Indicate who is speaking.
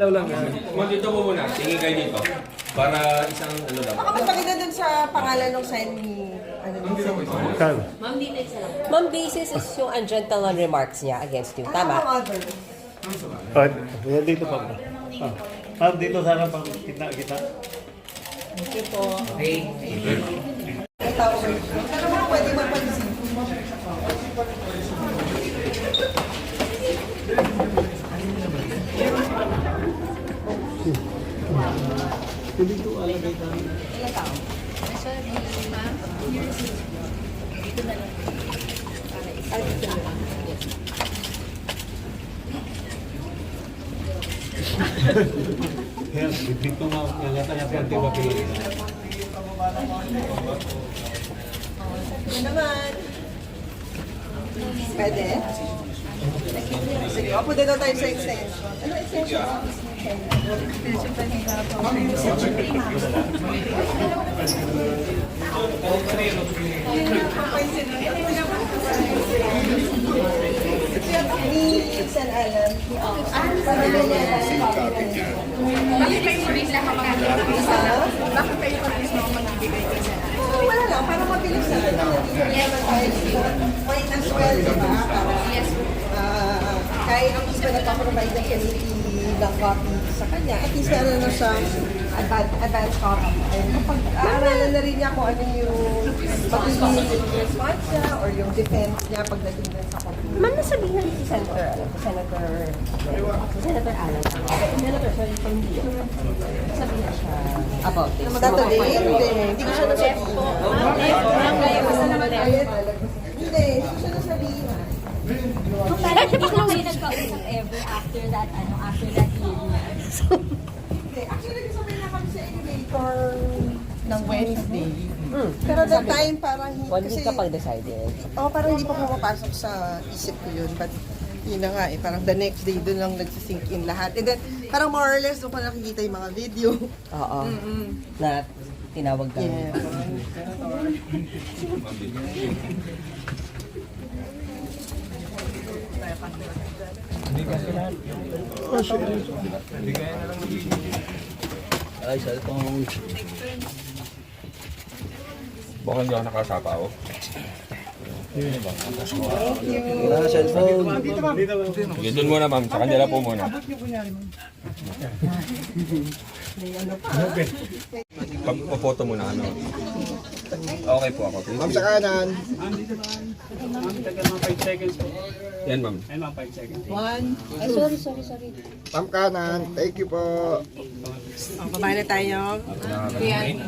Speaker 1: lang yan.
Speaker 2: Dito mo muna, tingin kayo dito. Para isang ano lang.
Speaker 3: Baka mas maganda dun sa pangalan ng sign ni...
Speaker 1: Kano?
Speaker 4: Ma'am, basis is yung ungentleman remarks niya against you. Tama?
Speaker 3: Other.
Speaker 1: Yan dito pa ba? Ma'am, dito sana pang kita.
Speaker 4: Okay po.
Speaker 3: Pero mga pwede mapansin.
Speaker 1: Yan, dito nga, yung yata-yata yung tiba pinili.
Speaker 3: Ano naman? Pwede? Sige, punta daw tayo sa extension. Ano extension? Ni San Alan. Para ganyan.
Speaker 5: Bakit kayo rin lang ang Bakit kayo rin lang ang magbibigay ka sa
Speaker 3: Wala lang, para mabilis na. Point as well, di ba?
Speaker 5: Yes.
Speaker 3: Kahit ang iba nagpa-provide ng committee ng copy sa kanya, at least meron na siyang advance copy. And kapag aaralan na rin niya kung ano yung magiging response niya or yung defense niya pagdating dun sa copy.
Speaker 4: Ma'am, nasabihan si Senator Alan. Senator, sorry, sabihan siya about this.
Speaker 3: Totally, hindi ko siya nasabihin. Hindi ko siya nasabihin.
Speaker 6: Pero hindi ko kayo nagkausap ever after that hearing.
Speaker 3: Hindi, actually nagkasabay na kami sa elevator ng Wednesday. Pero that time parang hindi
Speaker 4: One week
Speaker 3: kasi...
Speaker 4: ka pag-decided.
Speaker 3: Parang hindi pa pumapasok sa isip ko yun. But yun na nga parang the next day doon lang nagsisink in lahat. And then parang more or less doon ko nakikita yung mga video.
Speaker 4: Oo. Na tinawag ka.
Speaker 3: Yeah.
Speaker 2: Ay, cellphone. Baka hindi ako nakasapaw.
Speaker 1: Wala, cellphone.
Speaker 2: Sige, doon muna ma'am. Sa kanila po muna. Pag-photo muna ano. Okay po ako.
Speaker 7: Ma'am, sa kanan.
Speaker 2: Yan ma'am.
Speaker 6: Sorry.
Speaker 7: Ma'am, kanan. Thank you po.
Speaker 3: Babae na tayo.